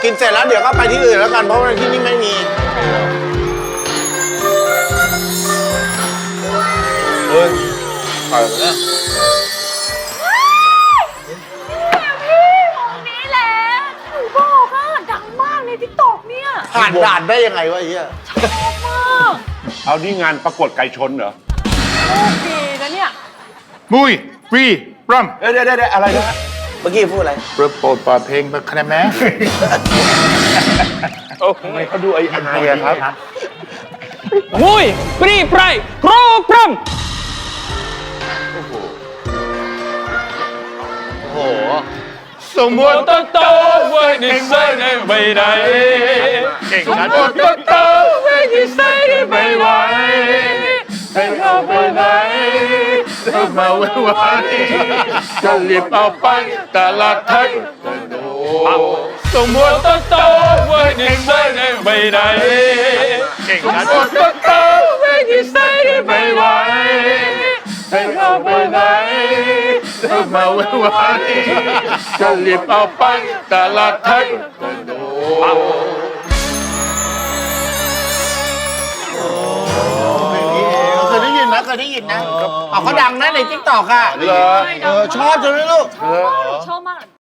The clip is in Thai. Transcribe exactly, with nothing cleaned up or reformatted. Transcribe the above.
กินเสร็จแล้วเดี๋ยวก็ไปที่อื่นแล้วกันเพราะว่าที่นี่ไม่มีเฮ้ยไปแล้วนี่แหละหนูบอกอ่ะดังมากในทิกตอกเนี่ยผ่านด่านได้ยังไงวะไอ้เหี้ยชอบมากเอานี่งานประกวดไก่ชนเหรอโชคดีนะเนี่ยมุยฟรีรัมเดี๋ยวเดี๋ยวเดี๋ยวอะไรนะเมื่อกี้พูดอะไรโปรดโปรดเปิดเพลงคะแนนแม่โอ้ทำไมเขาดูไอ้อันนี้ครับมุยปรีไพรโครพรัมโอ้โหสมมติโตโตไว้ในใส่ในใบไหนเก่งสมนะมติโตโตไว้ในใส่ในใบไหวให้เข้าไปไหนให้มาไว้ไว้จะรีบเอาไปตลาดไทยสมมติโตโตไว้ในใส่ในใบไหนเก่งสมนะมติโตโตไว้ในใส่ในใบไหวให้เข้าไปไหนให้มาไว้ไว้จะรีบเอาไปตลาดไทยเคยได้ยินนะเคยได้ยินนะเอาเขาดังนะในทิกตอกอ่ะเหรอเออชอบจังเลยลูกชอบมาก